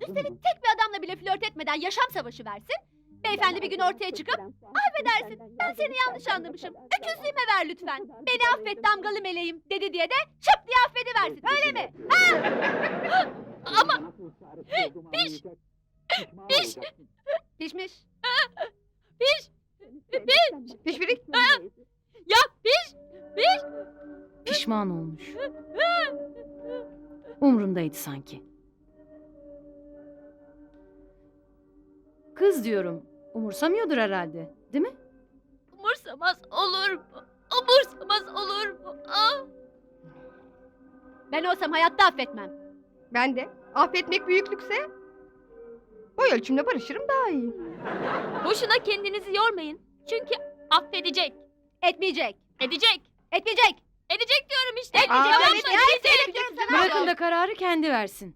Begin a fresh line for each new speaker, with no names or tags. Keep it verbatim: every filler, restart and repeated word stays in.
Üstelik tek bir adamla bile flört etmeden yaşam savaşı versin. Beyefendi bir gün ortaya çıkıp affedersin ben seni yanlış anlamışım. Öküzlüğüme ver lütfen. Beni affet damgalı meleğim dedi diye de şıp diye affediversin öyle mi? Ha? Ama piş piş pişmiş piş piş
Pişpirik.
ya piş piş
Pişman olmuş. Umrundaydı sanki. Kız diyorum. Umursamıyordur herhalde. Değil mi?
umursamaz olur mu? Umursamaz olur mu? Ah! Ben olsam hayatta affetmem.
Ben de. Affetmek büyüklükse boy ölçümle barışırım daha iyi.
Boşuna kendinizi yormayın. Çünkü affedecek. Etmeyecek. Edecek. Etmeyecek. Edecek diyorum işte.
Aa,
Tamam
evet,
mı?
ya,
Kesin
evet,
edecek.
evet,
Bırakın da kararı kendi versin.